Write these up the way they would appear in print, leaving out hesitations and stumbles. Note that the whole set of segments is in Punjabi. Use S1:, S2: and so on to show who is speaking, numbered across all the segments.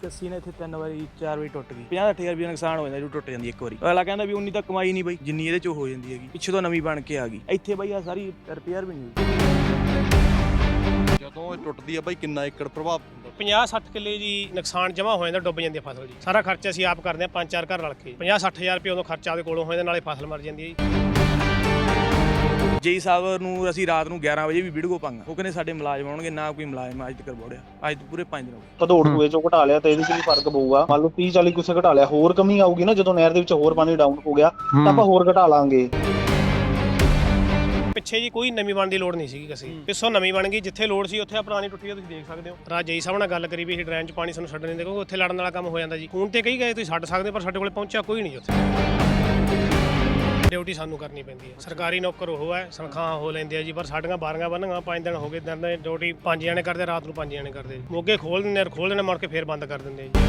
S1: ਕੱਸੀ ਨੇ ਇੱਥੇ 3 ਵਾਰੀ 4 ਵਾਰੀ ਟੁੱਟ ਗਈ। 50-60 ਹਜ਼ਾਰ ਰੁਪਏ ਨੁਕਸਾਨ ਹੋ ਜਾਂਦਾ ਜੋ ਟੁੱਟ ਜਾਂਦੀ ਇੱਕ ਵਾਰੀ। ਅਗਲਾ ਕਹਿੰਦਾ ਵੀ ਉਨੀ ਤਾਂ ਕਮਾਈ ਨਹੀਂ ਬਈ ਜਿੰਨੀ ਇਹਦੇ ਚੋਂ ਹੋ ਜਾਂਦੀ ਹੈਗੀ। ਪਿੱਛੇ ਤੋਂ ਨਵੀਂ ਬਣ ਕੇ ਆ ਗਈ ਇੱਥੇ ਬਈ ਆ ਸਾਰੀ ਰਿਪੇਅਰ ਵੀ ਨਹੀਂ ਹੋਈ।
S2: ਜਦੋਂ ਇਹ ਟੁੱਟਦੀ ਆ ਬਈ ਕਿੰਨਾ ਏਕੜ ਪ੍ਰਭਾਵ ਹੁੰਦਾ?
S3: 50-60 ਕਿੱਲੇ ਜੀ ਨੁਕਸਾਨ ਜਮਾ ਹੋ ਜਾਂਦਾ, ਡੁੱਬ ਜਾਂਦੀ ਹੈ ਫਸਲ ਜੀ। ਸਾਰਾ ਖਰਚਾ ਅਸੀਂ ਆਪ ਕਰਦੇ ਹਾਂ 5-4 ਘਰ ਰਲ ਕੇ। 50-60 ਹਜ਼ਾਰ ਰੁਪਏ ਉਦੋਂ ਖਰਚਾ ਉਹਦੇ ਕੋਲੋਂ ਹੋ ਜਾਂਦਾ, ਨਾਲੇ ਫਸਲ ਮਰ ਜਾਂਦੀ ਹੈ ਜੀ।
S1: ਜੇਈ ਸਾਹਿਬ ਨੂੰ ਅਸੀਂ ਰਾਤ ਨੂੰ 11 ਵਜੇ ਵੀ ਵੀਡੀਓ ਪਾਂਗਾ, ਉਹ ਕਹਿੰਦੇ ਸਾਡੇ ਮੁਲਾਜ਼ਮ ਆਉਣਗੇ, ਨਾ ਕੋਈ ਮੁਲਾਜ਼ਮ ਅੱਜ ਤੱਕ ਬੋੜਿਆ। ਅੱਜ ਤੋਂ ਪੂਰੇ 5 ਦਿਨ ਹੋ ਗਏ।
S4: ਭਦੌੜ ਸੂਏ ਚੋਂ ਘਟਾ ਲਿਆ ਤਾਂ ਇਹਦੇ 'ਚ ਵੀ ਫਰਕ ਪਊਗਾ। ਮੰਨ ਲਓ 30-40 ਕੁਸੇ ਘਟਾ ਲਿਆ, ਹੋਰ ਕਮੀ ਆਊਗੀ ਨਾ ਜਦੋਂ ਨਹਿਰ ਦੇ ਵਿੱਚ ਹੋਰ ਪਾਣੀ ਡਾਊਨ ਹੋ ਗਿਆ ਤਾਂ ਆਪਾਂ ਹੋਰ ਘਟਾ ਲਾਂਗੇ।
S3: ਪਿੱਛੇ ਜੀ ਕੋਈ ਨਵੀਂ ਬਣਨ ਦੀ ਲੋੜ ਨਹੀਂ ਸੀਗੀ, ਅਸੀਂ ਪਿੱਛੋਂ ਨਵੀਂ ਬਣ ਗਈ। ਜਿੱਥੇ ਲੋੜ ਸੀ ਉੱਥੇ ਪੁਰਾਣੀ ਟੁੱਟੀ ਆ, ਤੁਸੀਂ ਦੇਖ ਸਕਦੇ ਹੋ। ਰਾਜ ਜੇਈ ਸਾਹਿਬ ਨਾਲ ਗੱਲ ਕਰੀ ਵੀ ਇਹ ਡਰੇਨ 'ਚ ਪਾਣੀ ਸਾਨੂੰ ਛੱਡਣ ਨਹੀਂ ਦੇ, ਕਿਉਂਕਿ ਉੱਥੇ ਲੜਨ ਵਾਲਾ ਕੰਮ ਹੋ ਜਾਂਦਾ ਜੀ। ਹੁਣ ਤੇ ਕਹੀ ਗਏ ਤੁਸੀਂ ਛੱਡ ਸਕਦੇ, ਪਰ ਸਾਡੇ ਕੋਲੇ ਪਹੁੰਚਿਆ ਕੋਈ ਨਹੀਂ ਉੱਥੇ। ਡਿਊਟੀ ਸਾਨੂੰ ਕਰਨੀ ਪੈਂਦੀ ਹੈ। ਸਰਕਾਰੀ ਨੌਕਰ ਉਹ ਹੈ, ਤਨਖਾਹਾਂ ਹੋ ਲੈਂਦੇ ਆ ਜੀ, ਪਰ ਸਾਡੀਆਂ 12 ਬੰਨ੍ਹੀਆਂ 5 ਦਿਨ ਹੋ ਗਏ। ਦਿਨ ਦੀ ਡਿਊਟੀ 5 ਜਣੇ ਕਰਦੇ, ਰਾਤ ਨੂੰ 5 ਜਣੇ ਕਰਦੇ। ਮੋਗੇ ਖੋਲ ਦਿੰਦੇ ਮੁੜ ਕੇ ਫੇਰ ਬੰਦ ਕਰ ਦਿੰਦੇ ਜੀ।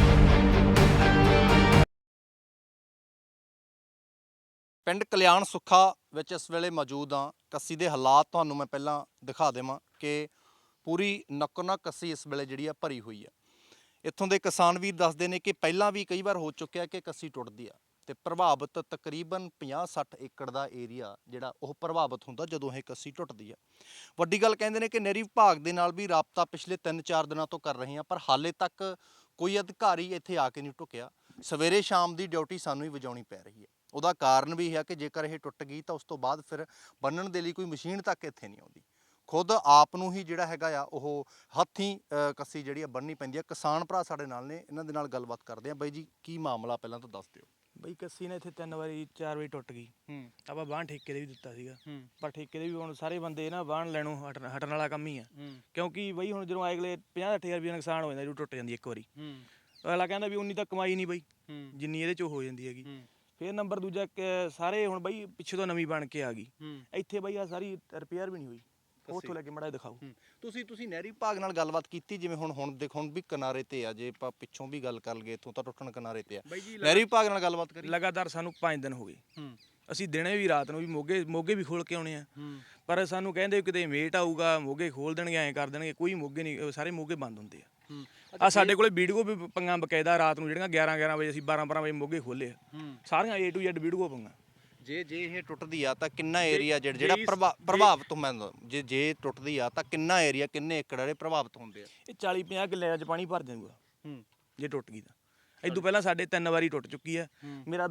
S2: ਪਿੰਡ ਕਲਿਆਣ ਸੁੱਖਾ ਵਿੱਚ ਇਸ ਵੇਲੇ ਮੌਜੂਦ ਹਾਂ। ਕੱਸੀ ਦੇ ਹਾਲਾਤ ਤੁਹਾਨੂੰ ਮੈਂ ਪਹਿਲਾਂ ਦਿਖਾ ਦੇਵਾਂ ਕਿ ਪੂਰੀ ਨੱਕੋ ਨੱਕ ਕੱਸੀ ਇਸ ਵੇਲੇ ਜਿਹੜੀ ਆ ਭਰੀ ਹੋਈ ਆ। ਇੱਥੋਂ ਦੇ ਕਿਸਾਨ ਵੀਰ ਦੱਸਦੇ ਨੇ ਕਿ ਪਹਿਲਾਂ ਵੀ ਕਈ ਵਾਰ ਹੋ ਚੁੱਕਿਆ ਕਿ ਕੱਸੀ ਟੁੱਟਦੀ ਆ ਤੇ ਪ੍ਰਭਾਵਿਤ ਤਕਰੀਬਨ 50-60 ਏਕੜ ਦਾ ਏਰੀਆ ਜਿਹੜਾ ਉਹ ਪ੍ਰਭਾਵਿਤ ਹੁੰਦਾ ਜਦੋਂ ਇਹ ਕੱਸੀ ਟੁੱਟਦੀ ਆ। ਵੱਡੀ ਗੱਲ ਕਹਿੰਦੇ ਨੇ ਕਿ ਨਹਿਰੀ ਵਿਭਾਗ ਦੇ ਨਾਲ ਵੀ ਰਾਬਤਾ ਪਿਛਲੇ 3-4 ਦਿਨਾਂ ਤੋਂ ਕਰ ਰਹੇ ਹਾਂ, ਪਰ ਹਾਲੇ ਤੱਕ ਕੋਈ ਅਧਿਕਾਰੀ ਇੱਥੇ ਆ ਕੇ ਨਹੀਂ ਢੁਕਿਆ। ਸਵੇਰੇ ਸ਼ਾਮ ਦੀ ਡਿਊਟੀ ਸਾਨੂੰ ਹੀ ਵਜਾਉਣੀ ਪੈ ਰਹੀ ਹੈ। ਉਹਦਾ ਕਾਰਨ ਵੀ ਇਹ ਹੈ ਕਿ ਜੇਕਰ ਇਹ ਟੁੱਟ ਗਈ ਤਾਂ ਉਸ ਤੋਂ ਬਾਅਦ ਫਿਰ ਬੰਨਣ ਦੇ ਲਈ ਕੋਈ ਮਸ਼ੀਨ ਤੱਕ ਇੱਥੇ ਨਹੀਂ ਆਉਂਦੀ। ਖੁਦ ਆਪ ਨੂੰ ਹੀ ਜਿਹੜਾ ਹੈਗਾ ਆ ਉਹ ਹੱਥੀਂ ਕੱਸੀ ਜਿਹੜੀ ਆ ਬੰਨ੍ਹਣੀ ਪੈਂਦੀ ਆ। ਕਿਸਾਨ ਭਰਾ ਸਾਡੇ ਨਾਲ ਨੇ, ਇਹਨਾਂ ਦੇ ਨਾਲ ਗੱਲਬਾਤ ਕਰਦੇ ਆ। ਬਾਈ ਜੀ ਕੀ ਮਾਮਲਾ ਪਹਿਲਾਂ ਤਾਂ ਦੱਸ ਦਿਓ।
S1: ਬਈ ਕੱਸੀ ਨੇ ਇੱਥੇ 3 ਵਾਰੀ 4 ਵਾਰੀ ਟੁੱਟ ਗਈ। ਆਪਾਂ ਬਾਹਣ ਠੇਕੇ ਦੇ ਵੀ ਦਿੱਤਾ ਸੀਗਾ, ਪਰ ਠੇਕੇ ਦੇ ਵੀ ਹੁਣ ਸਾਰੇ ਬੰਦੇ ਨਾ ਬਾਹਣ ਲੈਣੋਂ ਹਟਣ ਵਾਲਾ ਕੰਮ ਹੀ ਆ। ਕਿਉਂਕਿ ਬਈ ਹੁਣ ਜਦੋਂ ਅਗਲੇ 50-60 ਹਜ਼ਾਰ ਰੁਪਏ ਨੁਕਸਾਨ ਹੋ ਜਾਂਦਾ ਜੋ ਟੁੱਟ ਜਾਂਦੀ ਇੱਕ ਵਾਰੀ। ਅਗਲਾ ਕਹਿੰਦਾ ਵੀ ਉਨੀ ਤਾਂ ਕਮਾਈ ਨਹੀਂ ਬਈ ਜਿੰਨੀ ਇਹਦੇ ਚੋਂ ਹੋ ਜਾਂਦੀ ਹੈਗੀ। ਫਿਰ ਨੰਬਰ ਦੂਜਾ ਸਾਰੇ ਹੁਣ ਬਈ ਪਿੱਛੇ ਤੋਂ ਨਵੀਂ ਬਣ ਕੇ ਆ ਗਈ ਇੱਥੇ ਬਈ ਆ ਸਾਰੀ ਰਿਪੇਅਰ ਵੀ ਨਹੀਂ ਹੋਈ। ਉੱਥੋਂ ਲੈ ਕੇ ਮੜਾ ਦਿਖਾਓ।
S2: ਤੁਸੀਂ ਨਹਿਰੀ ਵਿਭਾਗ ਨਾਲ ਗੱਲਬਾਤ ਕੀਤੀ? ਜਿਵੇਂ ਹੁਣ ਦੇਖੋ ਹੁਣ ਵੀ ਕਿਨਾਰੇ ਤੇ ਆ, ਜੇ ਆਪਾਂ ਪਿੱਛੋਂ ਵੀ ਗੱਲ ਕਰ ਲਈਏ ਇੱਥੋਂ ਤਾਂ ਟੁੱਟਣ ਕਿਨਾਰੇ ਤੇ ਆ। ਨਹਿਰੀ ਵਿਭਾਗ ਨਾਲ ਗੱਲਬਾਤ ਕਰੀ?
S1: ਲਗਾਤਾਰ ਸਾਨੂੰ 5 ਦਿਨ ਹੋ ਗਏ। ਅਸੀਂ ਦਿਨੇ ਵੀ ਰਾਤ ਨੂੰ ਵੀ ਮੋਗੇ ਵੀ ਖੋਲ ਕੇ ਆਉਣੇ ਆ, ਪਰ ਸਾਨੂੰ ਕਹਿੰਦੇ ਕਿਤੇ ਮੇਟ ਆਊਗਾ ਮੋਗੇ ਖੋਲ ਦੇਣਗੇ, ਐਂ ਕਰ ਦੇਣਗੇ। ਕੋਈ ਮੋਗੇ ਨਹੀਂ, ਸਾਰੇ ਮੋਗੇ ਬੰਦ ਹੁੰਦੇ ਆ। ਆ ਸਾਡੇ ਕੋਲੇ ਵੀਡੀਓ ਵੀ ਪੰਗਾ ਬਕਾਇਦਾ ਰਾਤ ਨੂੰ ਜਿਹੜੀਆਂ 11 ਵਜੇ ਅਸੀਂ 12 ਵਜੇ ਮੋਗੇ ਖੋਲੇ ਆ, ਸਾਰੀਆਂ A to Z ਵੀਡੀਓ ਪੰਗਾ।
S2: ਜੇ ਇਹ ਟੁੱਟਦੀ ਆ ਤਾਂ ਕਿੰਨਾ ਏਰੀਆ ਜਿਹੜਾ ਪ੍ਰਭਾਵਿਤ ਹੁੰਦਾ? ਜੇ ਟੁੱਟਦੀ ਆ ਤਾਂ ਕਿੰਨਾ ਏਰੀਆ, ਕਿੰਨੇ ਏਕੜ ਜਿਹੜੇ ਪ੍ਰਭਾਵਿਤ ਹੁੰਦੇ ਆ?
S1: ਇਹ 40-50 ਕਿੱਲਿਆਂ 'ਚ ਪਾਣੀ ਭਰ ਜਾਊਗਾ ਜੇ ਟੁੱਟ ਗਈ ਤਾਂ। ਇਦੋਂ ਪਹਿਲਾਂ ਸਾਡੇ 3 ਵਾਰੀ ਟੁੱਟ ਚੁੱਕੀ ਆ। ਮੇਰਾ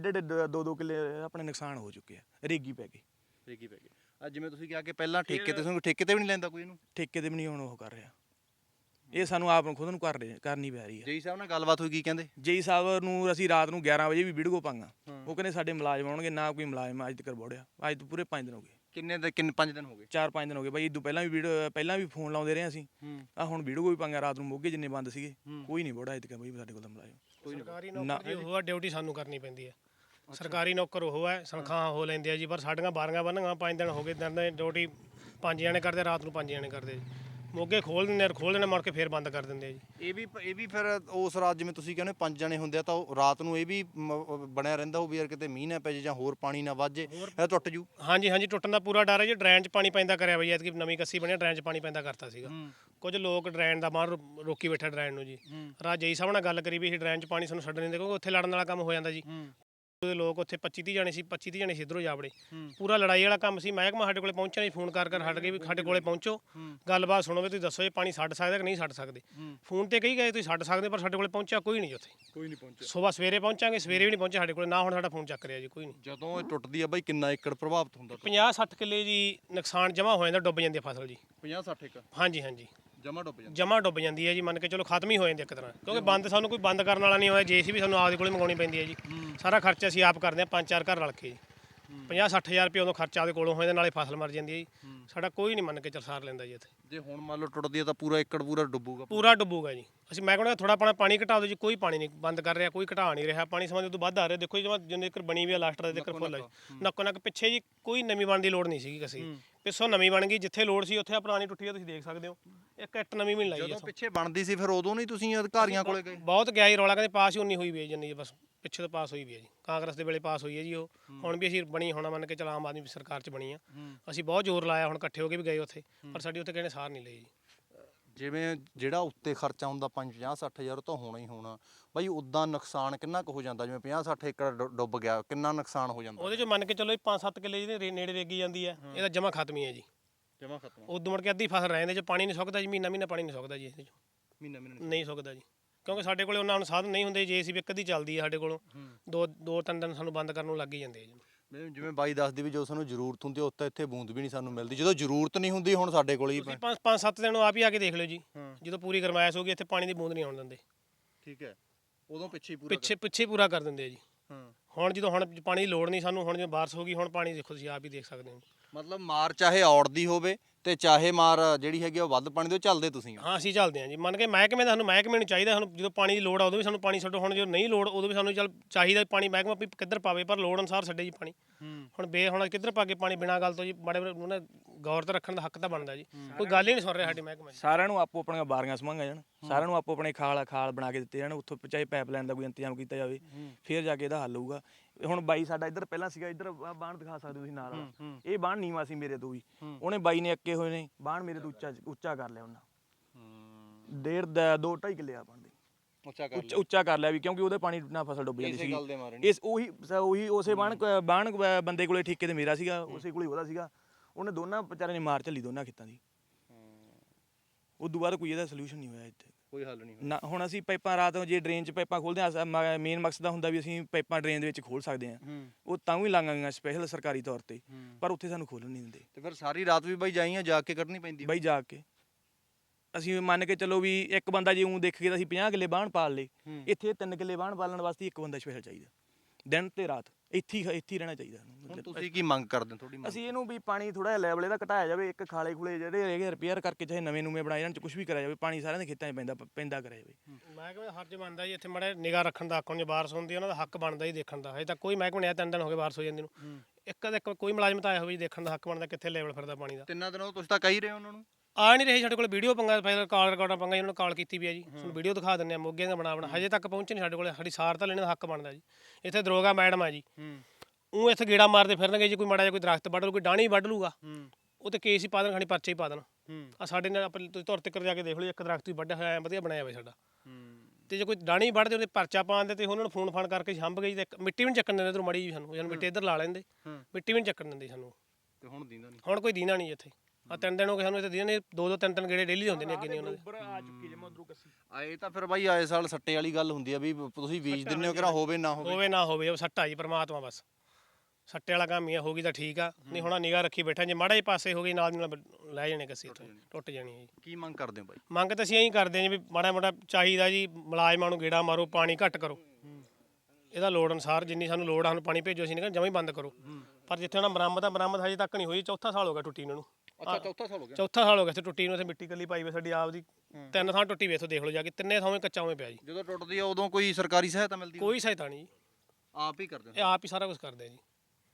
S1: 2 ਕਿੱਲੇ ਆਪਣੇ ਨੁਕਸਾਨ ਹੋ ਚੁੱਕੇ ਆ, ਰੇਗੀ ਪੈ ਗਈ।
S2: ਅੱਜ ਜਿਵੇਂ ਤੁਸੀਂ ਕਿਹਾ ਕਿ ਪਹਿਲਾਂ ਠੇਕੇ ਤੇ ਵੀ ਨਹੀਂ ਲੈਂਦਾ ਕੋਈ ਇਹਨੂੰ?
S1: ਠੇਕੇ ਤੇ ਵੀ ਨਹੀਂ ਹੁਣ ਉਹ ਕਰ ਰਿਹਾ। ਇਹ ਸਾਨੂੰ ਆਪ ਨੂੰ ਖੁਦ ਨੂੰ ਕਰਨੀ ਪੈ ਰਹੀ ਹੈ।
S2: ਜੇਈ ਸਾਹਿਬ ਨਾਲ ਗੱਲਬਾਤ ਹੋਈ, ਕੀ ਕਹਿੰਦੇ?
S1: ਜੇਈ ਸਾਹਿਬ ਨੂੰ ਅਸੀਂ ਰਾਤ ਨੂੰ 11 ਵਜੇ ਵੀ ਵੀਡੀਓ ਪਾਂਗਾ, ਉਹ ਕਹਿੰਦੇ ਸਾਡੇ ਮੁਲਾਜ਼ਮ ਆਉਣਗੇ, ਨਾ ਕੋਈ ਮੁਲਾਜ਼ਮ ਅੱਜ ਤੱਕ ਬੋੜਿਆ। ਅੱਜ ਤੋਂ ਪੂਰੇ 5 ਦਿਨ ਹੋ ਗਏ।
S2: ਕਿੰਨੇ 5 ਦਿਨ ਹੋ ਗਏ?
S1: 4-5 ਦਿਨ ਹੋ ਗਏ ਬਾਈ। ਇਦੋਂ ਪਹਿਲਾਂ ਵੀ ਫੋਨ ਲਾਉਂਦੇ ਰਹੇ ਅਸੀਂ। ਆ ਹੁਣ ਵੀਡੀਓ ਵੀ ਪਾਂਗਾ ਰਾਤ ਨੂੰ ਮੋਗੇ ਜਿੰਨੇ ਬੰਦ ਸੀਗੇ, ਕੋਈ ਨਹੀਂ ਬੋੜਾ ਅੱਜ ਤੱਕ ਬਾਈ ਸਾਡੇ ਕੋਲ ਤਾਂ ਮੁਲਾਜ਼ਮ।
S3: ਸਰਕਾਰੀ ਨੌਕਰ ਜੀ ਉਹ ਆ, ਡਿਊਟੀ ਸਾਨੂੰ ਕਰਨੀ ਪੈਂਦੀ ਹੈ। ਸਰਕਾਰੀ ਨੌਕਰ ਉਹ ਹੈ, ਤਨਖਾਹਾਂ ਹੋ ਲੈਂਦੇ ਆ ਜੀ, ਪਰ ਸਾਡੀਆਂ 12 ਬੰਨ੍ਹੀਆਂ 5 ਦਿਨ ਹੋ ਗਏ। ਦਿਨ ਦੀ ਡਿਊਟੀ 5 ਜਣੇ ਕਰਦੇ, ਰਾਤ ਨੂੰ 5 ਜਣੇ ਕਰਦੇ। ਮੋਗੇ ਖੋਲ ਦਿੰਦੇ ਮੁੜ ਕੇ ਫੇਰ ਬੰਦ ਕਰ ਦਿੰਦੇ ਆ ਜੀ।
S2: ਇਹ ਵੀ ਫਿਰ ਉਸ ਰਾਤ ਜਿਵੇਂ ਤੁਸੀਂ ਕਹਿੰਦੇ 5 ਜਣੇ ਹੁੰਦੇ ਆ ਤਾਂ ਉਹ ਰਾਤ ਨੂੰ ਇਹ ਵੀ ਬਣਿਆ ਰਹਿੰਦਾ ਹੋਊ ਵੀ ਯਾਰ ਕਿਤੇ ਮੀਂਹ ਨਾ ਪੈ ਜੇ ਜਾਂ ਹੋਰ ਪਾਣੀ ਨਾ ਵੱਜ ਜੇ, ਇਹ ਟੁੱਟ ਜੂ।
S3: ਹਾਂਜੀ ਟੁੱਟਣ ਦਾ ਪੂਰਾ ਡਰ ਹੈ ਜੀ। ਡਰੇਨ 'ਚ ਪਾਣੀ ਪੈਂਦਾ ਕਰਿਆ ਬਈ, ਐਤਕੀ ਨਵੀਂ ਕੱਸੀ ਬਣਿਆ, ਡਰੇਨ 'ਚ ਪਾਣੀ ਪੈਂਦਾ ਕਰਤਾ ਸੀਗਾ। ਕੁਝ ਲੋਕ ਡਰੇਨ ਦਾ ਬਾਹਰ ਰੋਕੀ ਬੈਠਾ ਡਰੇਨ ਨੂੰ ਜੀ। ਰਾਜ ਜੇਈ ਸਾਹਿਬ ਨਾਲ ਗੱਲ ਕਰੀ ਵੀ ਇਹ ਡਰੇਨ 'ਚ ਪਾਣੀ ਸਾਨੂੰ ਛੱਡਣ ਨਹੀਂ ਦੇ, ਕਿਉਂਕਿ ਉੱਥੇ ਲੜਨ ਵਾਲਾ ਕੰਮ ਹੋ ਜਾਂਦਾ ਜੀ। ਉਹਦੇ ਲੋਕ ਉੱਥੇ 25-30 ਜਣੇ ਸੀ, 25-30 ਜਣੇ ਸੀ ਇੱਧਰੋਂ ਜਾ ਵੜੇ। ਪੂਰਾ ਲੜਾਈ ਵਾਲਾ ਕੰਮ ਸੀ। ਮਹਿਕਮਾ ਸਾਡੇ ਕੋਲੇ ਪਹੁੰਚਿਆ ਨਹੀਂ, ਫੋਨ ਕਰ ਹਟ ਗਏ ਵੀ ਸਾਡੇ ਕੋਲੇ ਪਹੁੰਚੋ, ਗੱਲਬਾਤ ਸੁਣੋ ਵੀ ਤੁਸੀਂ ਦੱਸੋ ਇਹ ਪਾਣੀ ਛੱਡ ਸਕਦਾ ਕਿ ਨਹੀਂ ਛੱਡ ਸਕਦੇ। ਫੋਨ ਤੇ ਕਹੀ ਗਏ ਤੁਸੀਂ ਛੱਡ ਸਕਦੇ, ਪਰ ਸਾਡੇ ਕੋਲੇ ਪਹੁੰਚਿਆ ਕੋਈ ਨਹੀਂ ਉੱਥੇ।
S2: ਕੋਈ ਨਹੀਂ ਪਹੁੰਚਿਆ।
S3: ਸਵੇਰੇ ਪਹੁੰਚਾਂਗੇ, ਸਵੇਰੇ ਵੀ ਨਹੀਂ ਪਹੁੰਚਿਆ ਸਾਡੇ ਕੋਲੇ, ਨਾ ਹੁਣ ਸਾਡਾ ਫੋਨ ਚੱਕ ਰਿਹਾ ਜੀ ਕੋਈ ਨਹੀਂ।
S2: ਜਦੋਂ ਇਹ ਟੁੱਟਦੀ ਆ ਬਾਈ ਕਿੰਨਾ ਏਕੜ ਪ੍ਰਭਾਵਿਤ ਹੁੰਦਾ?
S3: 50-60 ਕਿੱਲੇ ਜੀ ਨੁਕਸਾਨ ਜਮਾ ਹੋ ਜਾਂਦਾ, ਡੁੱਬ ਜਾਂਦੀ ਹੈ ਫਸਲ ਜੀ।
S2: 50-60 ਏਕੜ?
S3: ਹਾਂਜੀ
S2: ਜਮਾ
S3: ਡੁੱਬ ਜਾਂਦੀ ਹੈ ਜੀ। ਮੰਨ ਕੇ ਚਲੋ ਖਤਮ ਹੀ ਹੋ ਜਾਂਦੀ ਇੱਕ ਤਰ੍ਹਾਂ, ਕਿਉਂਕਿ ਬੰਦ ਸਾਨੂੰ ਕੋਈ ਬੰਦ ਕਰਨ ਵਾਲਾ ਨਹੀਂ ਹੋਇਆ। JCB ਸਾਨੂੰ ਆਪਦੇ ਕੋਲੇ ਮੰਗਾਉਣੀ ਪੈਂਦੀ ਹੈ ਜੀ। ਸਾਰਾ ਖਰਚਾ ਅਸੀਂ ਆਪ ਕਰਦੇ ਹਾਂ 5-4 ਘਰ ਰਲ ਕੇ ਜੀ। 50-60 ਹਜ਼ਾਰ ਰੁਪਏ ਉਦੋਂ ਖਰਚਾ ਉਹਦੇ ਕੋਲੋਂ ਹੋ ਜਾਂਦਾ, ਨਾਲੇ ਫਸਲ ਮਰ ਜਾਂਦੀ ਹੈ ਜੀ। ਸਾਡਾ ਕੋਈ ਨਹੀਂ ਮੰਨ ਕੇ ਚਰਸਾਰ ਲੈਂਦਾ ਜੀ ਇੱਥੇ।
S2: ਜੇ ਹੁਣ ਮੰਨ ਲਓ ਟੁੱਟਦੀ ਆ ਤਾਂ ਪੂਰਾ ਏਕੜ ਡੁੱਬੂਗਾ?
S3: ਪੂਰਾ ਡੁੱਬੂਗਾ ਜੀ। ਅਸੀਂ ਮੈਂ ਕਹਿੰਦਾ ਥੋੜਾ ਆਪਣਾ ਪਾਣੀ ਘਟਾ ਦਿਓ ਜੀ। ਕੋਈ ਪਾਣੀ ਨਹੀਂ ਬੰਦ ਕਰ ਰਿਹਾ, ਕੋਈ ਘਟਾ ਨਹੀਂ ਰਿਹਾ ਪਾਣੀ। ਸਮਾਂ ਤੋਂ ਵੱਧ ਆ ਰਿਹਾ। ਦੇਖੋ ਜੀ ਜਿੰਨੇ ਏਕੜ ਬਣੀ ਵੀ ਆ ਲਾਸਟ ਦੇ ਏਕੜ ਫੁੱਲ ਹੈ ਨੱਕੋ ਨੱਕ। ਪਿੱਛੇ ਜੀ ਕੋਈ ਨਵੀਂ ਬਣਨ ਦੀ ਲੋੜ ਨਹੀਂ ਸੀਗੀ ਅਸੀਂ, ਪਿੱਛੋਂ ਨਵੀਂ ਬਣ ਗਈ। ਜਿੱਥੇ ਲੋੜ ਸੀ ਉੱਥੇ ਪੁਰਾਣੀ ਟੁੱਟੀ ਆ, ਤੁਸੀਂ ਦੇਖ ਸਕਦੇ ਹੋ। ਇੱਕ ਇੱਟ ਨਵੀਂ ਵੀ ਨਹੀਂ ਲਾਈ।
S2: ਜਦੋਂ ਪਿੱਛੇ ਬਣਦੀ ਸੀ ਫਿਰ ਉਦੋਂ ਨਹੀਂ ਤੁਸੀਂ ਅਧਿਕਾਰੀਆਂ ਕੋਲੇ ਗਏ?
S3: ਬਹੁਤ ਗਿਆ ਜੀ ਰੌਲਾ, ਕਹਿੰਦੇ ਪਾਸ ਹੀ ਉਨੀ ਹੋਈ ਵੀ ਹੈ ਜਿੰਨੀ ਬਸ ਪਿੱਛੇ ਤੋਂ ਪਾਸ ਹੋਈ ਵੀ ਹੈ ਜੀ। ਕਾਂਗਰਸ ਦੇ ਵੇਲੇ ਪਾਸ ਹੋਈ ਹੈ ਜੀ ਉਹ। ਹੁਣ ਵੀ ਅਸੀਂ ਬਣੀ ਹੋਣਾ ਮੰਨ ਕੇ ਚਲ ਆਮ ਆਦਮੀ ਸਰਕਾਰ 'ਚ ਬਣੀ ਆ। ਅਸੀਂ ਬਹੁਤ ਜ਼ੋਰ ਲਾਇਆ, ਹੁਣ ਇਕੱਠੇ ਹੋ ਕੇ ਵੀ ਗਏ ਉੱਥੇ, ਪਰ ਸਾਡੀ ਉੱਥੇ ਕਿਸੇ ਨੇ ਸਾਰ ਨਹੀਂ ਲਈ ਜੀ।
S2: ਜਿਵੇਂ ਜਿਹੜਾ ਉੱਤੇ ਖਰਚਾ ਹੁੰਦਾ 50-60 ਹਜ਼ਾਰ ਤਾਂ ਹੋਣਾ ਹੀ ਹੋਣਾ ਬਾਈ, ਉਦਾਂ ਨੁਕਸਾਨ ਕਿੰਨਾ ਕੁ ਹੋ ਜਾਂਦਾ? ਜਿਵੇਂ 50-60 ਏਕੜ ਡੁੱਬ ਗਿਆ, ਕਿੰਨਾ ਨੁਕਸਾਨ ਹੋ ਜਾਂਦਾ?
S3: ਉਹਦੇ ਚ ਮੰਨ ਕੇ ਚੱਲੋ 5-7 ਕਿੱਲੇ ਜਿਹਦੇ ਨੇੜੇ ਵੇਗੀ ਜਾਂਦੀ ਹੈ, ਇਹਦਾ ਜਮਾ ਖਤਮ ਹੀ ਹੈ ਜੀ।
S2: ਜਮਾ ਖਤਮ,
S3: ਉਦੋਂ ਮੁੜ ਕੇ ਅੱਧੀ ਫਸਲ ਰਹਿੰਦੇ ਚ ਪਾਣੀ ਨਹੀਂ ਸੁੱਕਦਾ ਜੀ, ਮਹੀਨਾ ਪਾਣੀ ਨਹੀਂ ਸੁੱਕਦਾ ਜੀ ਇਹਦੇ ਚ,
S2: ਮਹੀਨਾ
S3: ਨਹੀਂ ਸੁੱਕਦਾ ਜੀ। ਕਿਉਂਕਿ ਸਾਡੇ ਕੋਲੇ ਉਹਨਾਂ ਨੂੰ ਸਾਧਨ ਨਹੀਂ ਹੁੰਦੇ, JCB ਇੱਕ ਅੱਧੀ ਚੱਲਦੀ ਹੈ ਸਾਡੇ ਕੋਲੋਂ, ਦੋ ਤਿੰਨ ਦਿਨ ਸਾਨੂੰ ਬੰਦ ਕਰਨ ਨੂੰ ਲੱਗ ਹੀ ਜਾਂਦੇ ਆ ਜੀ।
S2: ਜਿਵੇਂ ਬਾਈ ਦੱਸਦੀ ਵੀ ਜਦੋਂ ਸਾਨੂੰ ਜ਼ਰੂਰਤ ਹੁੰਦੀ ਉੱਥੇ ਇੱਥੇ ਬੂੰਦ ਵੀ ਨਹੀਂ ਸਾਨੂੰ ਮਿਲਦੀ, ਜਦੋਂ ਜ਼ਰੂਰਤ ਨਹੀਂ ਹੁੰਦੀ ਹੁਣ ਸਾਡੇ ਕੋਲ ਹੀ।
S3: ਤੁਸੀਂ 5-7 ਦਿਨ ਆਪ ਹੀ ਆ ਕੇ ਦੇਖ ਲਿਓ ਜੀ, ਜਦੋਂ ਪੂਰੀ ਗਰਮਾਇਸ਼ ਹੋ ਗਈ ਇੱਥੇ ਪਾਣੀ ਦੀ ਬੂੰਦ ਨਹੀਂ ਆਉਣ ਦਿੰਦੇ।
S2: ਠੀਕ ਹੈ, ਉਦੋਂ
S3: ਪਿੱਛੇ ਪੂਰਾ ਕਰ ਦਿੰਦੇ ਆ ਜੀ। ਹੁਣ ਜਦੋਂ ਹੁਣ ਪਾਣੀ ਦੀ ਲੋੜ ਨਹੀਂ ਸਾਨੂੰ, ਹੁਣ ਜਦੋਂ ਬਾਰਿਸ਼ ਹੋ ਗਈ ਹੁਣ ਪਾਣੀ ਦੇਖੋ ਤੁਸੀਂ ਆਪ ਹੀ ਦੇਖ ਸਕਦੇ ਹੋ।
S2: ਮਤਲਬ ਮਾਰ ਚਾਹੇ ਔੜਦੀ ਹੋਵੇ ਤੇ ਚਾਹੇ ਮਾਰ ਜਿਹੜੀ ਹੈਗੀ ਉਹ ਵੱਧ ਪਾਣੀ ਦੇ ਚੱਲਦੇ ਤੁਸੀਂ?
S3: ਹਾਂ ਅਸੀਂ ਚੱਲਦੇ ਹਾਂ ਜੀ। ਮੰਨ ਕੇ ਮਹਿਕਮੇ ਦਾ ਸਾਨੂੰ ਮਹਿਕਮੇ ਨੂੰ ਚਾਹੀਦਾ, ਸਾਨੂੰ ਜਦੋਂ ਪਾਣੀ ਦੀ ਲੋੜ ਆ ਉਦੋਂ ਵੀ ਸਾਨੂੰ ਪਾਣੀ ਛੱਡੋ, ਹੁਣ ਜਦੋਂ ਨਹੀਂ ਲੋੜ ਉਦੋਂ ਵੀ ਸਾਨੂੰ ਚੱਲ ਚਾਹੀਦਾ ਪਾਣੀ, ਮਹਿਕਮਾ ਵੀ ਕਿੱਧਰ ਪਾਵੇ ਪਰ ਲੋੜ ਅਨੁਸਾਰ ਛੱਡੇ ਜੀ ਪਾਣੀ। ਹੁਣ ਕਿੱਧਰ ਪਾ ਕੇ ਪਾਣੀ ਬਿਨਾਂ ਗੱਲ ਤੋਂ ਜੀ, ਬੜੇ ਉਹਨਾਂ ਗੌਰ ਤੇ ਰੱਖਣ ਦਾ ਹੱਕ ਤਾਂ ਬਣਦਾ ਜੀ। ਕੋਈ ਗੱਲ ਹੀ ਨਹੀਂ ਸੁਣ ਰਿਹਾ ਸਾਡੀ ਮਹਿਕਮਾ।
S1: ਸਾਰਿਆਂ ਨੂੰ ਆਪੋ ਆਪਣੀਆਂ ਬਾਰੀਆਂ ਸਮੰਗਾ ਜਾਣ, ਸਾਰਿਆਂ ਨੂੰ ਆਪੋ ਆਪਣੇ ਖਾਲ ਬਣਾ ਕੇ ਦਿੱਤੇ ਜਾਣ, ਉੱਥੋਂ ਚਾਹੇ ਪਾਈਪਲਾਈਨ ਦਾ ਕੋਈ ਇੰਤਜ਼ਾਮ ਕੀਤਾ ਜਾਵੇ, ਫਿਰ ਜਾ ਕੇ ਇਹਦਾ ਹੱਲ ਹੋਊਗਾ। ਹੁਣ ਬਾਈ ਸਾਡਾ ਇੱਧਰ ਪਹਿਲਾਂ ਸੀਗਾ, ਇੱਧਰ ਬਾਣ ਦਿਖਾ ਸਕਦੇ ਤੁਸੀਂ ਨਾਲ, ਇਹ ਬਾਣ ਨੀਵਾਂ ਸੀ ਮੇਰੇ ਤੋਂ ਵੀ, ਉਹਨੇ ਬਾਈ ਨੇ ਅੱਕੇ ਹੋਏ ਨੇ ਬਾਣ ਮੇਰੇ ਤੋਂ ਉੱਚਾ ਕਰ ਲਿਆ ਉਹਨਾਂ, 2.5 ਕਿੱਲੇ ਆ ਬਣਦੇ ਉੱਚਾ ਕਰ ਲਿਆ ਵੀ, ਕਿਉਂਕਿ ਉਹਦੇ ਪਾਣੀ ਨਾਲ ਫਸਲ ਡੁੱਬ ਜਾਂਦੀ ਸੀ। ਇਸ ਉਹੀ ਉਸੇ ਬਾਣ ਬੰਦੇ ਕੋਲੇ ਠੇਕੇ ਤੇ ਮੇਰਾ ਸੀਗਾ, ਉਸੇ ਕੋਲੇ ਉਹਦਾ ਸੀਗਾ, ਉਹਨੇ ਦੋਨਾਂ ਵਿਚਾਰਿਆਂ ਨੇ ਮਾਰ ਝੱਲੀ ਦੋਨਾਂ ਖੇਤਾਂ ਦੀ। ਉਦੋਂ ਬਾਅਦ ਕੋਈ ਇਹਦਾ ਸੋਲੂਸ਼ਨ ਨਹੀਂ ਹੋਇਆ ਇੱਥੇ, ਕੋਈ ਹੱਲ ਨਹੀਂ ਨਾ। ਹੁਣ ਅਸੀਂ ਪਾਈਪਾਂ ਰਾਤ ਜੇ ਡਰੇਨ 'ਚ ਪਾਈਪਾਂ ਖੋਲਦੇ ਹਾਂ, ਮੇਨ ਮਕਸਦ ਹੁੰਦਾ ਵੀ ਅਸੀਂ ਪਾਈਪਾਂ ਡਰੇਨ ਦੇ ਵਿੱਚ ਖੋਲ ਸਕਦੇ ਹਾਂ, ਉਹ ਤਾਂ ਵੀ ਲਾਂਘਾਂਗੀਆਂ ਸਪੈਸ਼ਲ ਸਰਕਾਰੀ ਤੌਰ ਤੇ, ਪਰ ਉੱਥੇ ਸਾਨੂੰ ਖੋਲ੍ਹਣ ਨਹੀਂ ਦਿੰਦੇ।
S2: ਤੇ ਫਿਰ ਸਾਰੀ ਰਾਤ ਵੀ ਬਾਈ ਜਾਈਆਂ ਜਾ ਕੇ ਕੱਢਣੀ ਪੈਂਦੀ
S1: ਬਾਈ ਜਾ ਕੇ। ਅਸੀਂ ਮੰਨ ਕੇ ਚੱਲੋ ਵੀ ਇੱਕ ਬੰਦਾ ਜੇ ਊਂ ਦੇਖੀਏ ਤਾਂ ਅਸੀਂ 50 ਕਿੱਲੇ ਬਾਣ ਪਾਲ ਲਏ, ਇੱਥੇ 3 ਕਿੱਲੇ ਬਾਣ ਪਾਲਣ ਵਾਸਤੇ ਇੱਕ ਬੰਦਾ ਸਪੈਸ਼ਲ ਚਾਹੀਦਾ, ਦਿਨ ਤੇ ਰਾਤ ਇੱਥੇ ਹੀ ਰਹਿਣਾ ਚਾਹੀਦਾ।
S2: ਹੁਣ ਤੁਸੀਂ ਕੀ ਮੰਗ ਕਰਦੇ ਹੋ? ਤੁਹਾਡੀ
S1: ਅਸੀਂ ਇਹਨੂੰ ਵੀ ਪਾਣੀ ਥੋੜਾ ਜਿਹਾ ਲੈਵਲ ਇਹਦਾ ਘਟਾਇਆ ਜਾਵੇ, ਇੱਕ ਖਾਲੇ ਖੁਲੇ ਜਿਹੜੇ ਹੈਗੇ ਰਿਪੇਅਰ ਕਰਕੇ ਚਾਹੇ ਨਵੇਂ ਬਣਾਏ ਜਾਣ, ਕੁਝ ਵੀ ਕਰਿਆ ਜਾਵੇ, ਪਾਣੀ ਸਾਰਿਆਂ ਦੇ ਖੇਤਾਂ 'ਚ ਪੈਂਦਾ ਕਰਿਆ ਜਾਵੇ।
S3: ਮਹਿਕਮੇ ਦਾ ਹਰਜ ਬਣਦਾ ਜੀ ਇੱਥੇ ਮਾੜਾ ਨਿਗਾਹ ਰੱਖਣ ਦਾ, ਹੱਕ ਹੁਣ ਜੇ ਬਾਰਿਸ਼ ਹੁੰਦੀ ਉਹਨਾਂ ਦਾ ਹੱਕ ਬਣਦਾ ਜੀ ਦੇਖਣ ਦਾ। ਹਜੇ ਤੱਕ ਕੋਈ ਮਹਿਕਮਾ ਨਹੀਂ 3 ਦਿਨ ਹੋ ਗਏ ਬਾਰਿਸ਼ ਹੋ ਜਾਂਦੀ ਨੂੰ, ਇੱਕ ਕੋਈ ਮੁਲਾਜ਼ਮ ਤਾਂ ਆਇਆ ਹੋਵੇ ਜੀ ਦੇਖਣ ਦਾ, ਹੱਕ ਬਣਦਾ ਕਿੱਥੇ ਲੈਵਲ ਫਿਰਦਾ ਪਾਣੀ ਦਾ।
S2: 3 ਦਿਨੋਂ ਤੁਸੀਂ ਤਾਂ ਕਹਿ ਰਹੇ ਹੋ ਉਹਨਾਂ ਨੂੰ,
S3: ਆ ਨਹੀਂ ਰਹੇ ਸਾਡੇ ਕੋਲ ਵੀਡੀਓ ਪੰਗਾ, ਫਿਰ ਕਾਲ ਰਿਕਾਰਡਾਂ ਪੰਗਾ, ਉਹਨਾਂ ਨੂੰ ਕਾਲ ਕੀਤੀ ਵੀ ਆ ਜੀ, ਤੁਹਾਨੂੰ ਵੀਡੀਓ ਦਿਖਾ ਦਿੰਦੇ ਆ ਮੋਗੇ ਦਾ ਬਣਾ ਹਜੇ ਤੱਕ ਪਹੁੰਚੇ ਨਹੀਂ ਸਾਡੇ ਕੋਲ, ਸਾਡੀ ਸਾਰ ਤਾਂ ਲੈਣ ਦਾ ਹੱਕ ਬਣਦਾ ਜੀ। ਇੱਥੇ ਦਰੋਗਾ ਮੈਡਮ ਆ ਜੀ, ਉਹ ਇੱਥੇ ਗੇੜਾ ਮਾਰਦੇ ਫਿਰਨਗੇ ਜੀ, ਕੋਈ ਮਾੜਾ ਜਿਹਾ ਕੋਈ ਦਰਖਤ ਵੱਢ ਲੂ, ਕੋਈ ਡਾਣੀ ਵੱਢ ਲੂਗਾ, ਉਹ ਤੇ ਕੇਸ ਹੀ ਪਾ ਦੇਣ, ਖਾਣੀ ਪਰਚੇ ਹੀ ਪਾ ਦੇਣ। ਆ ਸਾਡੇ ਨਾਲ ਆਪਾਂ ਤੁਸੀਂ ਧੁਰ ਤੱਕ ਜਾ ਕੇ ਦੇਖ ਲਓ, ਇੱਕ ਦਰਖਤ ਹੀ ਵੱਢਿਆ ਹੋਇਆ ਵਧੀਆ ਬਣਾਇਆ ਹੋਇਆ ਸਾਡਾ, ਤੇ ਜੇ ਕੋਈ ਡਾਣੀ ਵੱਢਦੇ ਉਹਦੇ ਪਰਚਾ ਪਾਉਂਦੇ ਤੇ ਉਹਨਾਂ ਨੂੰ ਫੋਨ ਕਰਕੇ ਹੰਬ ਗਈ, ਤੇ ਮਿੱਟੀ ਵੀ ਨਹੀਂ ਚੱਕਣ ਦਿੰਦੇ ਇੱਧਰੋਂ ਮਾੜੀ ਜੀ ਸਾਨੂੰ, ਮਿੱਟੀ ਇੱਧਰ ਲਾ ਲੈਂਦੇ, ਮਿੱਟੀ ਵੀ ਨਹੀਂ ਚੱਕਣ ਦਿੰਦੇ ਸਾਨੂੰ।
S2: ਤੇ ਹੁਣ ਦੀਂਦਾ ਨਹੀਂ,
S3: ਹੁਣ ਕੋਈ ਦੀਨਾ ਨਹੀਂ ਇੱਥੇ। ਆ 3 ਦਿਨ ਹੋ ਗਏ ਸਾਨੂੰ ਇੱਥੇ ਦੀਨਾ ਨਹੀਂ, 2-3 ਗੇੜੇ ਡੇਲੀ ਹੁੰਦੇ ਨੇ ਅੱਗੇ ਨਹੀਂ ਉਹਨਾਂ ਦੇ।
S2: ਇਹ ਤਾਂ ਫਿਰ ਬਾਈ ਆਏ ਸਾਲ ਸੱਟੇ ਵਾਲੀ ਗੱਲ ਹੁੰਦੀ ਆ ਵੀ ਤੁਸੀਂ ਬੀਜ ਦਿੰਦੇ ਹੋ, ਕਿਹੜਾ ਹੋਵੇ ਨਾ
S3: ਹੋਵੇ ਉਹ ਸੱਟਾ ਜੀ ਪਰਮਾਤਮਾ ਬਸ, ਸੱਟੇ ਵਾਲਾ ਕੰਮ ਹੀ ਹੋ ਗਈ ਤਾਂ ਠੀਕ ਆ, ਨਹੀਂ ਹੁਣ ਨਿਗਾਹ ਰੱਖੀ ਬੈਠਾ, ਜੇ ਮਾੜਾ ਜਿਹੇ ਪਾਸੇ ਹੋ ਗਈ ਨਾਲ ਦੀ ਨਾਲ ਲੈ ਜਾਣੇ ਕੱਸੀ ਇੱਥੇ ਟੁੱਟ ਜਾਣੀ ਹੈ ਜੀ।
S2: ਕੀ ਮੰਗ ਕਰਦੇ ਹੋ ਬਾਈ?
S3: ਮੰਗ ਤਾਂ ਅਸੀਂ ਇਹੀ ਕਰਦੇ ਹਾਂ ਜੀ ਵੀ ਮਾੜਾ ਚਾਹੀਦਾ ਜੀ, ਮੁਲਾਜ਼ਮਾਂ ਨੂੰ ਗੇੜਾ ਮਾਰੋ, ਪਾਣੀ ਘੱਟ ਕਰੋ, ਇਹਦਾ ਲੋੜ ਅਨੁਸਾਰ ਜਿੰਨੀ ਸਾਨੂੰ ਲੋੜ ਆ ਸਾਨੂੰ ਪਾਣੀ ਭੇਜੋ, ਅਸੀਂ ਨਹੀਂ ਜਮਾਂ ਹੀ ਬੰਦ ਕਰੋ। ਪਰ ਜਿੱਥੇ ਉਹਨਾਂ ਬਰਾਮਦ ਹਜੇ ਤੱਕ ਨਹੀਂ ਹੋਈ, ਚੌਥਾ ਸਾਲ ਹੋ ਗਿਆ ਟੁੱਟੀ ਇਹਨਾਂ ਨੂੰ।
S2: ਅੱਛਾ ਚੌਥਾ ਸਾਲ ਹੋ ਗਿਆ?
S3: ਚੌਥਾ ਸਾਲ ਹੋ ਗਿਆ ਇੱਥੇ ਟੁੱਟੀ ਨੂੰ, ਇੱਥੇ ਮਿੱਟੀ ਕੱਲੀ ਪਾਈ ਹੋਈ ਸਾਡੀ ਆਪ ਦੀ, 3 ਥਾਂ ਟੁੱਟੀ ਵੇ, ਇੱਥੋਂ ਦੇਖ ਲਓ ਜਾ ਕੇ, 3 ਥਾਵੇਂ ਕੱਚਾ ਉਵੇਂ ਪਿਆ ਜੀ।
S2: ਜਦੋਂ ਟੁੱਟਦੀ ਆ ਉਦੋਂ ਕੋਈ ਸਰਕਾਰੀ ਸਹਾਇਤਾ ਮਿਲਦੀ?
S3: ਕੋਈ ਸਹਾਇਤਾ ਨਹੀਂ ਜੀ,
S2: ਆਪ ਹੀ ਕਰਦੇ
S3: ਇਹ ਆਪ ਹੀ ਸਾਰਾ ਕੁਝ ਕਰਦੇ ਆ ਜੀ।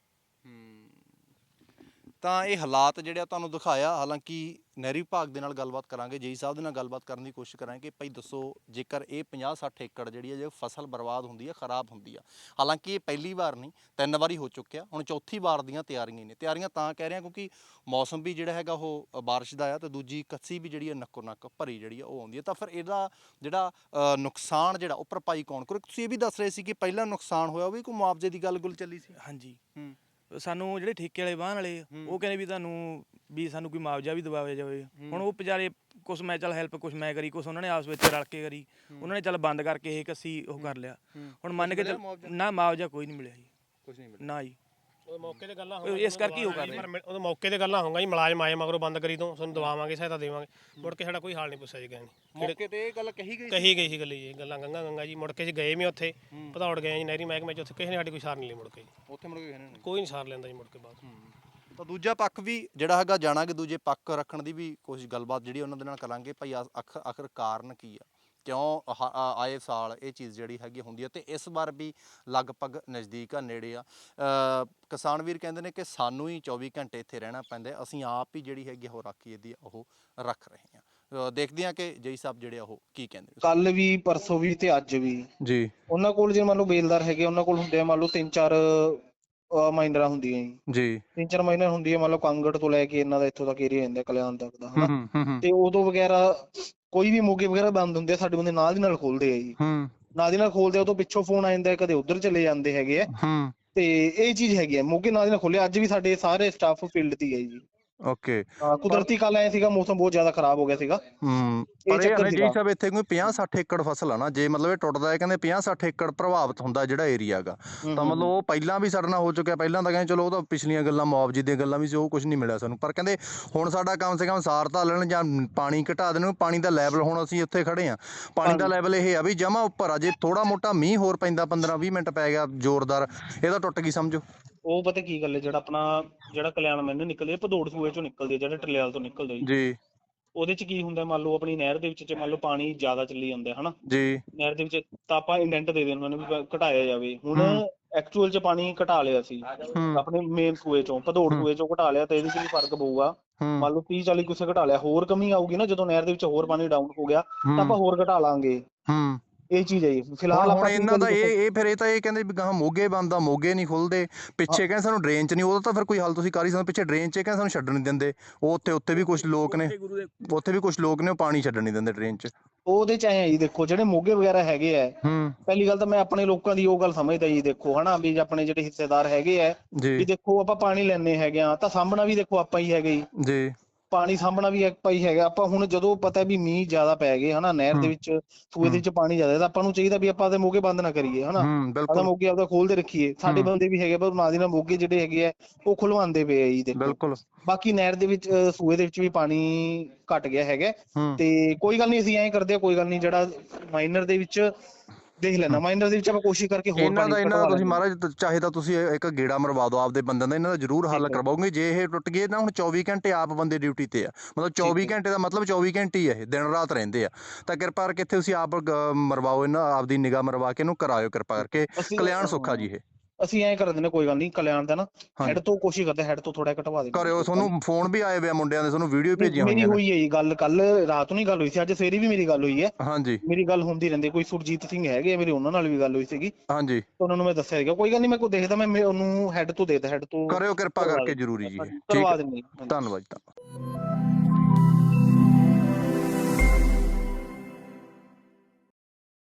S2: ਤਾਂ ਇਹ ਹਾਲਾਤ ਜਿਹੜੇ ਆ ਤੁਹਾਨੂੰ ਦਿਖਾਇਆ, ਹਾਲਾਂਕਿ ਨਹਿਰੀ ਵਿਭਾਗ ਦੇ ਨਾਲ ਗੱਲਬਾਤ ਕਰਾਂਗੇ, ਜੇਈ ਸਾਹਿਬ ਦੇ ਨਾਲ ਗੱਲਬਾਤ ਕਰਨ ਦੀ ਕੋਸ਼ਿਸ਼ ਕਰਾਂਗੇ ਕਿ ਭਾਈ ਦੱਸੋ, ਜੇਕਰ ਇਹ 50-60 ਏਕੜ ਜਿਹੜੀ ਹੈ ਜੇ ਫਸਲ ਬਰਬਾਦ ਹੁੰਦੀ ਹੈ, ਖਰਾਬ ਹੁੰਦੀ ਆ, ਹਾਲਾਂਕਿ ਇਹ ਪਹਿਲੀ ਵਾਰ ਨਹੀਂ 3 ਵਾਰੀ ਹੋ ਚੁੱਕਿਆ, ਹੁਣ ਚੌਥੀ ਵਾਰ ਦੀਆਂ ਤਿਆਰੀਆਂ ਨੇ। ਤਿਆਰੀਆਂ ਤਾਂ ਕਹਿ ਰਹੇ ਹਾਂ ਕਿਉਂਕਿ ਮੌਸਮ ਵੀ ਜਿਹੜਾ ਹੈਗਾ ਉਹ ਬਾਰਿਸ਼ ਦਾ ਆ, ਤੇ ਦੂਜੀ ਕੱਸੀ ਵੀ ਜਿਹੜੀ ਹੈ ਨੱਕੋ ਨੱਕ ਭਰੀ ਜਿਹੜੀ ਆ ਉਹ ਆਉਂਦੀ ਹੈ, ਤਾਂ ਫਿਰ ਇਹਦਾ ਜਿਹੜਾ ਨੁਕਸਾਨ ਜਿਹੜਾ ਉਹ ਭਰਪਾਈ ਕੌਣ ਕਰੂ? ਤੁਸੀਂ ਇਹ ਵੀ ਦੱਸ ਰਹੇ ਸੀ ਕਿ ਪਹਿਲਾਂ ਨੁਕਸਾਨ ਹੋਇਆ ਉਹ ਵੀ ਕੋਈ ਮੁਆਵਜ਼ੇ ਦੀ ਗੱਲ ਚੱਲੀ ਸੀ?
S1: ਹਾਂਜੀ, ਸਾਨੂੰ ਜਿਹੜੇ ਠੇਕੇ ਵਾਲੇ ਵਾਹਨ ਵਾਲੇ ਉਹ ਕਹਿੰਦੇ ਵੀ ਤੁਹਾਨੂੰ ਵੀ ਸਾਨੂੰ ਕੋਈ ਮੁਆਵਜ਼ਾ ਵੀ ਦਿਵਾਇਆ ਜਾਵੇ। ਹੁਣ ਉਹ ਵਿਚਾਰੇ ਕੁਛ ਮੈਂ ਚੱਲ ਹੈਲਪ ਕੁਛ ਮੈਂ ਕਰੀ, ਕੁਛ ਉਹਨਾਂ ਨੇ ਆਪਸ ਵਿੱਚ ਰਲ ਕੇ ਕਰੀ, ਉਹਨਾਂ ਨੇ ਚੱਲ ਬੰਦ ਕਰਕੇ ਇਹ ਕੱਸੀ ਉਹ ਕਰ ਲਿਆ। ਹੁਣ ਮੰਨ ਕੇ ਚੱਲ ਨਾ ਮੁਆਵਜ਼ਾ ਕੋਈ ਨਹੀਂ ਮਿਲਿਆ ਜੀ, ਕੁਛ ਨਹੀਂ ਮਿਲਿਆ ਨਾ ਜੀ।
S3: ਉਹ ਮੌਕੇ ਤੇ ਗੱਲਾਂ
S1: ਇਸ ਕਰਕੇ ਉਹ ਕਰ ਰਹੇ,
S3: ਉਹ ਮੌਕੇ ਤੇ ਗੱਲਾਂ ਹੋਊਗਾ ਜੀ, ਮੁਲਾਜ਼ਮ ਆਏ ਮਗਰੋਂ ਬੰਦ ਕਰੀ ਤੋਂ ਤੁਹਾਨੂੰ ਦਵਾਵਾਂਗੇ, ਸਹਾਇਤਾ ਦੇਵਾਂਗੇ, ਮੁੜ ਕੇ ਸਾਡਾ ਕੋਈ ਹਾਲ ਨਹੀਂ ਪੁੱਛਿਆ ਜੀ ਗਏ।
S2: ਮੌਕੇ ਤੇ ਇਹ ਗੱਲ ਕਹੀ
S3: ਗਈ ਸੀ ਗੱਲੀ ਜੀ, ਗੱਲਾਂ ਗੰਗਾ ਜੀ। ਮੁੜ ਕੇ ਜੀ ਗਏ ਵੀ ਉੱਥੇ ਭਦੌੜ ਗਏ ਜੀ ਨਹਿਰੀ ਮਹਿਕਮੇ ਚ, ਉੱਥੇ ਕਿਸੇ ਨੇ ਸਾਡੀ ਕੋਈ ਸਾਰ ਨਹੀਂ ਲਈ ਮੁੜ ਕੇ, ਉੱਥੇ ਮੁੜ ਕੇ ਕੋਈ ਨਹੀਂ ਸਾਰ ਲੈਂਦਾ ਜੀ ਮੁੜ ਕੇ ਬਾਅਦ।
S2: ਤਾਂ ਦੂਜਾ ਪੱਖ ਵੀ ਜਿਹੜਾ ਹੈਗਾ ਜਾਣਾਂਗੇ, ਦੂਜੇ ਪੱਖ ਰੱਖਣ ਦੀ ਵੀ ਕੋਸ਼ਿਸ਼ ਗੱਲਬਾਤ ਜਿਹੜੀ ਉਹਨਾਂ ਦੇ ਨਾਲ ਕਰਾਂਗੇ। ਭਾਈ ਆਖਰ ਕਾਰਨ ਕੀ ਆ, ਕਿਉਂ ਆਏ ਸਾਲ ਇਹ ਚੀਜ਼ ਜਿਹੜੀ ਹੈਗੀ ਹੁੰਦੀ ਹੈ, ਤੇ ਇਸ ਵਾਰ ਵੀ ਲਗਭਗ ਨਜ਼ਦੀਕ ਆ, ਨੇੜੇ ਆ। ਕਿਸਾਨ ਵੀਰ ਕਹਿੰਦੇ ਨੇ ਕਿ ਸਾਨੂੰ ਹੀ 24 ਘੰਟੇ ਇੱਥੇ ਰਹਿਣਾ ਪੈਂਦਾ, ਅਸੀਂ ਆਪ ਹੀ ਜਿਹੜੀ ਹੈਗੀ ਉਹ ਰਾਖੀ ਇਹਦੀ ਉਹ ਰੱਖ ਰਹੇ ਹਾਂ। ਦੇਖਦੇ ਹਾਂ ਕਿ ਜੇਈ ਸਾਹਿਬ ਜਿਹੜੇ ਉਹ ਕੀ ਕਹਿੰਦੇ।
S4: ਕੱਲ ਵੀ, ਪਰਸੋਂ ਵੀ ਤੇ ਅੱਜ ਵੀ
S2: ਜੀ
S4: ਉਹਨਾਂ ਕੋਲ ਜੇ ਮੰਨ ਲਓ ਬੇਲਦਾਰ ਹੈਗੇ, ਉਹਨਾਂ ਕੋਲ ਹੁੰਦੇ ਆ ਮੰਨ ਲਓ 3-4 ਮਾਈਨਰਾਂ ਹੁੰਦੀਆਂ
S2: ਜੀ
S4: 3-4 ਮਾਈਨਰ ਹੁੰਦੀ ਹੈ, ਮੰਨ ਲਓ ਕਾਂਗੜ ਤੋਂ ਲੈ ਕੇ ਇਹਨਾਂ ਦਾ ਇੱਥੋਂ ਤੱਕ ਏਰੀਆ ਜਾਂਦਾ ਕਲਿਆਣ ਤੱਕ ਦਾ, ਹਨਾ। ਤੇ ਉਦੋਂ ਵਗੈਰਾ ਕੋਈ ਵੀ ਮੋਗੇ ਵਗੈਰਾ ਬੰਦ ਹੁੰਦੇ ਆ ਸਾਡੇ ਬੰਦੇ ਨਾਲ ਦੀ ਨਾਲ ਖੋਲਦੇ ਆ ਜੀ, ਨਾਲ ਦੀ ਨਾਲ ਖੋਲਦੇ ਆ। ਉਹ ਤੋਂ ਪਿੱਛੋਂ ਫੋਨ ਆ ਜਾਂਦਾ, ਕਦੇ ਉਧਰ ਚਲੇ ਜਾਂਦੇ ਹੈਗੇ ਆ। ਤੇ ਇਹ ਚੀਜ਼ ਹੈਗੀ ਆ, ਮੋਗੇ ਨਾਲ ਦੀ ਨਾਲ ਖੋਲਿਆ। ਅੱਜ ਵੀ ਸਾਡੇ ਸਾਰੇ ਸਟਾਫ ਫੀਲਡ ਤੇ ਹੈ ਜੀ।
S2: ਓਕੇ।
S4: ਕੁਦਰਤੀ ਕੱਲ ਆਇਆ ਸੀਗਾ, ਮੌਸਮ ਬਹੁਤ ਜ਼ਿਆਦਾ ਖਰਾਬ ਹੋ ਗਿਆ ਸੀਗਾ।
S2: ਪਰ ਇਹ ਹੈ ਜੀ ਸਾਹਿਬ ਇੱਥੇ ਕੋਈ 50-60 ਏਕੜ ਫਸਲ ਆ ਨਾ, ਜੇ ਮਤਲਬ ਇਹ ਟੁੱਟਦਾ ਹੈ ਕਹਿੰਦੇ 50-60 ਏਕੜ ਪ੍ਰਭਾਵਿਤ ਹੁੰਦਾ ਜਿਹੜਾ ਏਰੀਆ ਹੈਗਾ, ਤਾਂ ਮਤਲਬ ਉਹ ਪਹਿਲਾਂ ਵੀ ਸਾਡੇ ਨਾਲ ਹੋ ਚੁੱਕਿਆ। ਪਹਿਲਾਂ ਤਾਂ ਕਹਿੰਦੇ ਚਲੋ ਉਹ ਤਾਂ ਪਿਛਲੀਆਂ ਗੱਲਾਂ, ਮੁਆਵਜ਼ੇ ਦੀਆਂ ਗੱਲਾਂ ਵੀ ਸੀ, ਉਹ ਕੁਝ ਨਹੀਂ ਮਿਲਿਆ ਸਾਨੂੰ। ਪਰ ਕਹਿੰਦੇ ਹੁਣ ਸਾਡਾ ਕਮ ਸੇ ਕਮ ਸਾਰ ਧਾ ਲੈਣ ਜਾਂ ਪਾਣੀ ਘਟਾ ਦੇਣ। ਪਾਣੀ ਦਾ ਲੈਵਲ ਹੁਣ ਅਸੀਂ ਉੱਥੇ ਖੜੇ ਹਾਂ, ਪਾਣੀ ਦਾ ਲੈਵਲ ਇਹ ਆ ਵੀ ਜਮਾ ਉੱਪਰ ਆ। ਜੇ ਥੋੜਾ ਮੋਟਾ ਮੀਂਹ ਹੋਰ ਪੈਂਦਾ 15-20 ਮਿੰਟ ਪੈ ਗਿਆ ਜ਼ੋਰਦਾਰ, ਇਹ ਤਾਂ ਟੁੱਟ ਗਈ ਸਮਝੋ।
S4: ਉਹ ਪਤਾ ਕੀ ਗੱਲ ਹੈ, ਜਿਹੜਾ ਕਲਿਆਣ ਮੈਨੂੰ ਨਿਕਲਦੇ ਭਦੌੜ ਸੂਏ ਚੋਂ ਨਿਕਲਦੇ, ਜਿਹੜੇ ਟਲਿਆਲ ਤੋਂ ਨਿਕਲਦੇ
S2: ਜੀ,
S4: ਉਹਦੇ ਚ ਕੀ ਹੁੰਦਾ, ਮੰਨ ਲਓ ਆਪਣੀ ਨਹਿਰ ਦੇ ਵਿੱਚ ਜੇ ਮੰਨ ਲਓ ਪਾਣੀ ਜ਼ਿਆਦਾ ਚੱਲੀ ਜਾਂਦਾ ਹਨਾ
S2: ਜੀ,
S4: ਨਹਿਰ ਦੇ ਵਿੱਚ, ਤਾਂ ਆਪਾਂ ਇੰਡੈਂਟ ਦੇ ਦੇਣ ਮੈਨੂੰ ਵੀ ਘਟਾਇਆ ਜਾਵੇ। ਹੁਣ ਐਕਚੁਅਲ ਚ ਪਾਣੀ ਘਟਾ ਲਿਆ ਸੀ ਆਪਣੇ ਮੇਨ ਸੂਏ ਚੋਂ, ਭਦੌੜ ਸੂਏ ਚੋਂ ਘਟਾ ਲਿਆ, ਤੇ ਇਹਦੇ ਚ ਵੀ ਫਰਕ ਪਊਗਾ। ਮੰਨ ਲਓ 30-40 ਕੁਸੇ ਘਟਾ ਲਿਆ, ਹੋਰ ਕਮੀ ਆਊਗੀ ਨਾ ਜਦੋਂ ਨਹਿਰ ਦੇ ਵਿੱਚ ਹੋਰ ਪਾਣੀ ਡਾਊਨ ਹੋ ਗਿਆ, ਤਾਂ ਆਪਾਂ ਹੋਰ ਘਟਾ ਲਾਂਗੇ। ਇਹ ਚੀਜ਼ ਹੈ ਜੀ। ਫਿਲਹਾਲ
S2: ਹੁਣ ਇਹਨਾਂ ਦਾ ਇਹ ਫਿਰ ਇਹ ਤਾਂ ਇਹ ਕਹਿੰਦੇ ਵੀ ਗਾਹਾਂ ਮੋਗੇ ਬੰਦ ਆ, ਮੋਗੇ ਨਹੀਂ ਖੁੱਲਦੇ। ਪਿੱਛੇ ਕਹਿੰਦੇ ਸਾਨੂੰ ਡਰੇਨ ਚ ਨਹੀਂ, ਉਹਦਾ ਤਾਂ ਫਿਰ ਕੋਈ ਹੱਲ ਤੁਸੀਂ ਕਰ ਹੀ ਸਕਦੇ। ਪਿੱਛੇ ਡਰੇਨ ਚ ਕਹਿੰਦੇ ਸਾਨੂੰ ਛੱਡਣ ਨਹੀਂ ਦਿੰਦੇ। ਉਹ ਉੱਥੇ ਵੀ ਕੁਝ ਲੋਕ ਨੇ, ਉਹ ਪਾਣੀ ਛੱਡਣ ਨਹੀਂ ਦਿੰਦੇ ਡਰੇਨ ਚ।
S4: ਉਹਦੇ ਚ ਆਏ ਆ ਜੀ, ਦੇਖੋ ਜਿਹੜੇ ਮੋਗੇ ਵਗੈਰਾ ਹੈਗੇ ਆ, ਪਹਿਲੀ ਗੱਲ ਤਾਂ ਮੈਂ ਆਪਣੇ ਲੋਕਾਂ ਦੀ ਉਹ ਗੱਲ ਸਮਝਦਾ ਜੀ। ਦੇਖੋ ਹਨਾ ਵੀ ਆਪਣੇ ਜਿਹੜੇ ਹਿੱਸੇਦਾਰ ਹੈਗੇ ਆ ਵੀ, ਦੇਖੋ ਆਪਾਂ ਪਾਣੀ ਲੈਣੇ ਹੈਗੇ ਆ ਤਾਂ ਸਾਂਭਣਾ ਵੀ ਦੇਖੋ ਆਪਾਂ ਹੀ ਹੈਗੇ ਜੀ। ਪਾਣੀ ਸਾਂਭਣਾ ਵੀ ਆਪਾਂ ਹੀ ਹੈਗਾ। ਆਪਾਂ ਹੁਣ ਜਦੋਂ ਪਤਾ ਵੀ ਮੀਂਹ ਜ਼ਿਆਦਾ ਪੈ ਗਏ ਹਨਾ, ਨਹਿਰ ਦੇ ਵਿੱਚ ਸੂਏ ਦੇ ਵਿੱਚ ਪਾਣੀ ਜ਼ਿਆਦਾ, ਤਾਂ ਆਪਾਂ ਨੂੰ ਚਾਹੀਦਾ ਵੀ ਆਪਾਂ ਆਪਦੇ ਮੋਗੇ ਬੰਦ ਨਾ ਕਰੀਏ ਹਨਾ, ਆਪਦਾ ਮੋਗੇ ਆਪਦਾ ਖੋਲਦੇ ਰੱਖੀਏ। ਸਾਡੇ ਬੰਦੇ ਵੀ ਹੈਗੇ ਪਰ ਨਾਲ ਦੀ ਨਾਲ ਮੋਗੇ ਜਿਹੜੇ ਹੈਗੇ ਆ ਉਹ ਖੁਲਵਾਉਂਦੇ ਪਏ ਆ ਜੀ। ਦੇਖੋ ਬਾਕੀ ਨਹਿਰ ਦੇ ਵਿੱਚ ਸੂਏ ਦੇ ਵਿੱਚ ਵੀ ਪਾਣੀ ਘਟ ਗਿਆ ਹੈਗਾ, ਤੇ ਕੋਈ ਗੱਲ ਨਹੀਂ, ਅਸੀਂ ਐਂ ਕਰਦੇ ਆ, ਕੋਈ ਗੱਲ ਨਹੀਂ, ਜਿਹੜਾ ਮਾਈਨਰ ਦੇ ਵਿੱਚ ਦੇਖ ਲੈਣਾ, ਮਾਈਨਰ ਦੇ ਵਿੱਚ ਆਪਾਂ ਕੋਸ਼ਿਸ਼ ਕਰਕੇ ਹੋਰ
S2: ਇਹਨਾਂ ਦਾ ਤੁਸੀਂ ਮਹਾਰਾਜ ਚਾਹੇ ਤਾਂ ਤੁਸੀਂ ਇੱਕ ਗੇੜਾ ਮਰਵਾ ਦਿਓ ਆਪਦੇ ਬੰਦਿਆਂ ਦਾ, ਇਹਨਾਂ ਦਾ ਜ਼ਰੂਰ ਹੱਲ ਕਰਵਾਓਗੇ। ਜੇ ਇਹ ਟੁੱਟ ਗਏ ਨਾ, ਹੁਣ 24 ਘੰਟੇ ਆਪ ਬੰਦੇ ਡਿਊਟੀ ਤੇ ਆ, ਮਤਲਬ 24 ਘੰਟੇ ਦਾ ਮਤਲਬ 24 ਘੰਟੇ ਹੀ ਇਹ ਦਿਨ ਰਾਤ ਰਹਿੰਦੇ ਆ। ਤਾਂ ਕਿਰਪਾ ਕਰਕੇ ਇੱਥੇ ਤੁਸੀਂ ਆਪ ਮਰਵਾਓ, ਇਹਨਾਂ ਆਪਦੀ ਨਿਗਾਹ ਮਰਵਾ ਕੇ ਇਹਨੂੰ ਕਰਾਇਓ ਕਿਰਪਾ ਕਰਕੇ। ਕਲਿਆਣ ਸੁੱਖਾ ਜੀ ਇਹ
S4: ਅਸੀਂ ਐਂ ਕਰ ਦਿੰਦੇ, ਕੋਈ ਗੱਲ ਨਹੀਂ, ਕਲਿਆਣ ਦਾ ਨਾ ਹੈਡ ਤੋਂ ਕੋਸ਼ਿਸ਼ ਕਰਦੇ, ਹੈਡ ਤੋਂ ਥੋੜਾ ਘਟਵਾ ਦੇ
S2: ਕਰਿਓ। ਤੁਹਾਨੂੰ ਫੋਨ ਵੀ ਆਏ ਵੇ ਆ ਮੁੰਡਿਆਂ ਦੇ, ਤੁਹਾਨੂੰ ਵੀਡੀਓ ਭੇਜੀਆਂ ਹੋਈਆਂ
S4: ਮੇਰੀ ਹੋਈ ਹੈ ਜੀ ਗੱਲ, ਕੱਲ ਰਾਤ ਨੂੰ ਹੀ ਗੱਲ ਹੋਈ ਸੀ, ਅੱਜ ਸਵੇਰੇ ਵੀ ਮੇਰੀ ਗੱਲ ਹੋਈ ਹੈ।
S2: ਹਾਂਜੀ,
S4: ਮੇਰੀ ਗੱਲ ਹੁੰਦੀ ਰਹਿੰਦੀ। ਕੋਈ ਸੁਰਜੀਤ ਸਿੰਘ ਹੈਗੇ ਮੇਰੀ, ਉਹਨਾਂ ਨਾਲ ਵੀ ਗੱਲ ਹੋਈ ਸੀਗੀ।
S2: ਹਾਂਜੀ,
S4: ਉਹਨਾਂ ਨੂੰ ਮੈਂ ਦੱਸਿਆ ਸੀਗਾ, ਕੋਈ ਗੱਲ ਨਹੀਂ, ਮੈਂ ਕੋਈ ਦੇਖਦਾ, ਮੈਂ ਉਹਨੂੰ ਹੈਡ ਤੋਂ ਦੇਦਾ, ਹੈਡ ਤੋਂ
S2: ਕਰਿਓ ਕਿਰਪਾ ਕਰਕੇ ਜ਼ਰੂਰੀ ਜੀ।
S4: ਕਰਵਾ ਦਿੰਦੇ।
S2: ਧੰਨਵਾਦ।